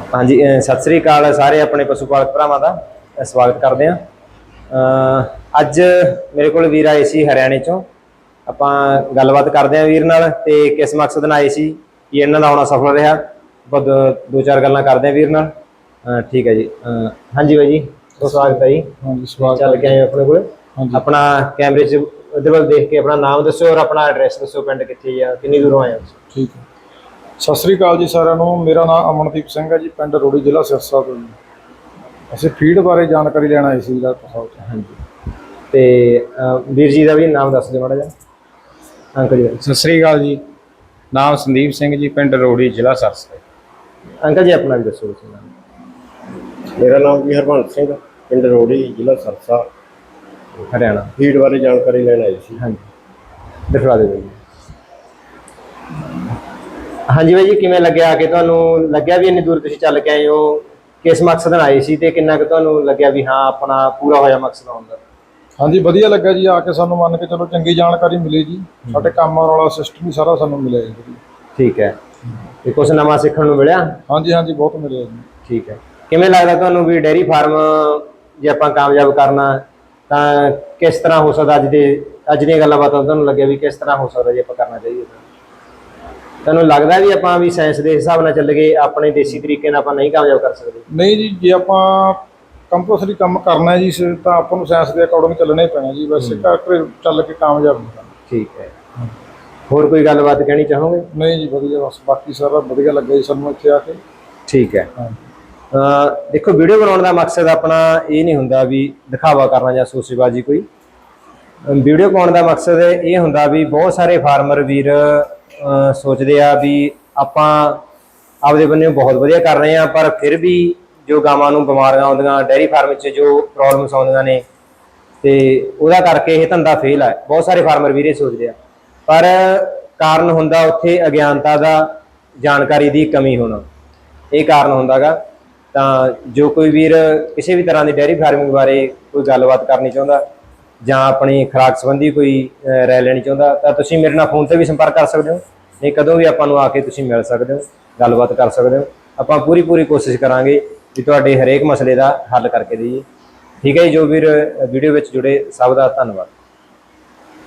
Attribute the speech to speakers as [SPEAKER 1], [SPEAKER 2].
[SPEAKER 1] हाँ जी सत श्री अकाल सारे अपने पशु पालक भरावां दा स्वागत करते हैं। अज मेरे को वीर आए सी हरियाणे चों। आपां गलबात करते हैं वीर नाल ते किस मकसद नाल आए सी कि इन्हां दा आउणा सफल रहा। आपां दो चार गल्लां करते हैं वीर नाल। ठीक है जी। हाँ जी भाई जी स्वागत है जी।
[SPEAKER 2] हाँ जी स्वागत
[SPEAKER 1] चल के आए अपने को
[SPEAKER 2] हाँ जी
[SPEAKER 1] अपना कैमरे च उधर वाल देख के अपना नाम दसो और अपना एड्रैस दसो, पिंड कित्थे आ, किन्नी दूरों आए हो?
[SPEAKER 2] ठीक है। सत श्री अकाल जी सारिਆਂ ਨੂੰ। मेरा नाम अमनदीप सिंह है जी, पिंड रोड़ी जिला सिरसा तो जी। ਅਸੀਂ फीड बारे जानकारी लेना आए सी ਸਾਹਿਬ।
[SPEAKER 1] हाँ जी ते वीर जी का भी नाम दस दो माड़ा जिहा। अंकल जी
[SPEAKER 3] सत श्री अकाल जी। नाम संदीप सिंह जी, पिंड रोड़ी जिला सरसा।
[SPEAKER 1] अंकल जी अपना भी दसो तुसीं नाम।
[SPEAKER 4] मेरा नाम जी हरबंस सिंह, पिंड रोड़ी जिला सरसा,
[SPEAKER 1] हरियाणा।
[SPEAKER 4] फीड बारे जानकारी लेना आई सी।
[SPEAKER 1] हाँ जी दिखवा दो भाई। हाँ जी भाई जी किवें लग्या कि तुहानूं लग्या भी इन्नी दूर तुसीं चल के आए हो, किस मकसद नाल आए सी ते किन्ना कि तुहानूं लग्या भी हाँ अपना पूरा होया मकसद आउण दा?
[SPEAKER 2] हाँ जी ਵਧੀਆ ਲੱਗਾ ਜੀ ਆ ਕੇ, ਸਾਨੂੰ ਮੰਨ ਕੇ ਚਲੋ ਚੰਗੀ ਜਾਣਕਾਰੀ ਮਿਲੀ ਜੀ। ਸਾਡੇ ਕੰਮ ਵਾਲਾ ਸਿਸਟਮ ਵੀ ਸਾਰਾ ਸਾਨੂੰ ਮਿਲਿਆ ਜੀ।
[SPEAKER 1] ठीक है ਤੇ ਕੁਛ ਨਵਾਂ ਸਿੱਖਣ ਨੂੰ ਮਿਲਿਆ?
[SPEAKER 2] हाँ जी हाँ जी बहुत ਮਿਲਿਆ ਜੀ।
[SPEAKER 1] ਠੀਕ ਹੈ। ਕਿਵੇਂ ਲੱਗਦਾ ਤੁਹਾਨੂੰ ਵੀ ਡੇਅਰੀ ਫਾਰਮ ਜੇ ਆਪਾਂ ਕਾਮਯਾਬ ਕਰਨਾ ਤਾਂ ਕਿਸ ਤਰ੍ਹਾਂ ਹੋ ਸਕਦਾ? ਅੱਜ ਦੀਆਂ ਗੱਲਾਂ ਬਾਤਾਂ ਤੁਹਾਨੂੰ ਲੱਗਿਆ ਵੀ ਕਿਸ ਤਰ੍ਹਾਂ ਹੋ ਸਕਦਾ ਜੇ ਆਪਾਂ ਕਰਨਾ ਚਾਹੀਏ? ਤੁਹਾਨੂੰ ਲੱਗਦਾ ਵੀ ਆਪਾਂ ਵੀ ਸਾਇੰਸ ਦੇ ਹਿਸਾਬ ਨਾਲ ਚੱਲ ਗਏ, ਆਪਣੇ ਦੇਸੀ ਤਰੀਕੇ ਨਾਲ ਆਪਾਂ ਨਹੀਂ ਕਾਮਯਾਬ ਕਰ ਸਕਦੇ?
[SPEAKER 2] ਨਹੀਂ ਜੀ, ਜੇ ਆਪਾਂ ਕੰਪਲਸਰੀ ਕੰਮ ਕਰਨਾ ਹੈ ਜੀ ਤਾਂ ਆਪਾਂ ਨੂੰ ਸਾਇੰਸ ਦੇ ਅਕੋਰਡਿੰਗ ਚੱਲਣਾ ਹੀ ਪੈਣਾ ਜੀ। ਵੈਸੇ ਕਰਕੇ ਚੱਲ ਕੇ ਕਾਮਯਾਬ ਨਹੀਂ ਕਰਨਾ।
[SPEAKER 1] ਠੀਕ ਹੈ। ਹੋਰ ਕੋਈ ਗੱਲਬਾਤ ਕਹਿਣੀ ਚਾਹੋਗੇ?
[SPEAKER 2] ਨਹੀਂ ਜੀ ਵਧੀਆ, ਬਸ ਬਾਕੀ ਸਾਰਾ ਵਧੀਆ ਲੱਗਾ ਜੀ ਸਾਨੂੰ ਇੱਥੇ ਆ ਕੇ।
[SPEAKER 1] ਠੀਕ ਹੈ।
[SPEAKER 2] ਹਾਂ
[SPEAKER 1] ਦੇਖੋ ਵੀਡੀਓ ਬਣਾਉਣ ਦਾ ਮਕਸਦ ਆਪਣਾ ਇਹ ਨਹੀਂ ਹੁੰਦਾ ਵੀ ਦਿਖਾਵਾ ਕਰਨਾ ਜਾਂ ਸੋਸੇਬਾਜ਼ੀ ਕੋਈ। ਵੀਡੀਓ ਪਾਉਣ ਦਾ ਮਕਸਦ ਇਹ ਹੁੰਦਾ ਵੀ ਬਹੁਤ ਸਾਰੇ ਫਾਰਮਰ ਵੀਰ ਸੋਚਦੇ ਆ ਵੀ ਆਪਾਂ ਆਪਦੇ ਬੰਨੇ ਬਹੁਤ ਵਧੀਆ ਕਰ ਰਹੇ ਹਾਂ, ਪਰ ਫਿਰ ਵੀ ਜੋ ਗਾਵਾਂ ਨੂੰ ਬਿਮਾਰੀਆਂ ਆਉਂਦੀਆਂ, ਡੇਅਰੀ ਫਾਰਮ 'ਚ ਜੋ ਪ੍ਰੋਬਲਮਸ ਆਉਂਦੀਆਂ ਨੇ ਤੇ ਉਹਦਾ ਕਰਕੇ ਇਹ ਧੰਦਾ ਫੇਲ ਹੈ। ਬਹੁਤ ਸਾਰੇ ਫਾਰਮਰ ਵੀਰ ਇਹ ਸੋਚਦੇ ਆ, ਪਰ ਕਾਰਨ ਹੁੰਦਾ ਉੱਥੇ ਅਗਿਆਨਤਾ ਦਾ, ਜਾਣਕਾਰੀ ਦੀ ਕਮੀ ਹੋਣਾ, ਇਹ ਕਾਰਨ ਹੁੰਦਾ ਗਾ। ਤਾਂ ਜੋ ਕੋਈ ਵੀਰ ਕਿਸੇ ਵੀ ਤਰ੍ਹਾਂ ਦੀ ਡੇਅਰੀ ਫਾਰਮਿੰਗ ਬਾਰੇ ਕੋਈ ਗੱਲਬਾਤ ਕਰਨੀ ਚਾਹੁੰਦਾ ਜਾਂ ਆਪਣੀ ਖੁਰਾਕ ਸੰਬੰਧੀ ਕੋਈ ਰਾਏ ਲੈਣੀ ਚਾਹੁੰਦਾ ਤਾਂ ਤੁਸੀਂ ਮੇਰੇ ਨਾਲ ਫੋਨ 'ਤੇ ਵੀ ਸੰਪਰਕ ਕਰ ਸਕਦੇ ਹੋ, ਨਹੀਂ ਕਦੋਂ ਵੀ ਆਪਾਂ ਨੂੰ ਆ ਕੇ ਤੁਸੀਂ ਮਿਲ ਸਕਦੇ ਹੋ, ਗੱਲਬਾਤ ਕਰ ਸਕਦੇ ਹੋ। ਆਪਾਂ ਪੂਰੀ ਕੋਸ਼ਿਸ਼ ਕਰਾਂਗੇ ਵੀ ਤੁਹਾਡੇ ਹਰੇਕ ਮਸਲੇ ਦਾ ਹੱਲ ਕਰਕੇ ਦੇਈਏ। ਠੀਕ ਹੈ ਜੀ। ਜੋ ਵੀਰ ਵੀਡੀਓ ਵਿੱਚ ਜੁੜੇ ਸਭ ਦਾ ਧੰਨਵਾਦ।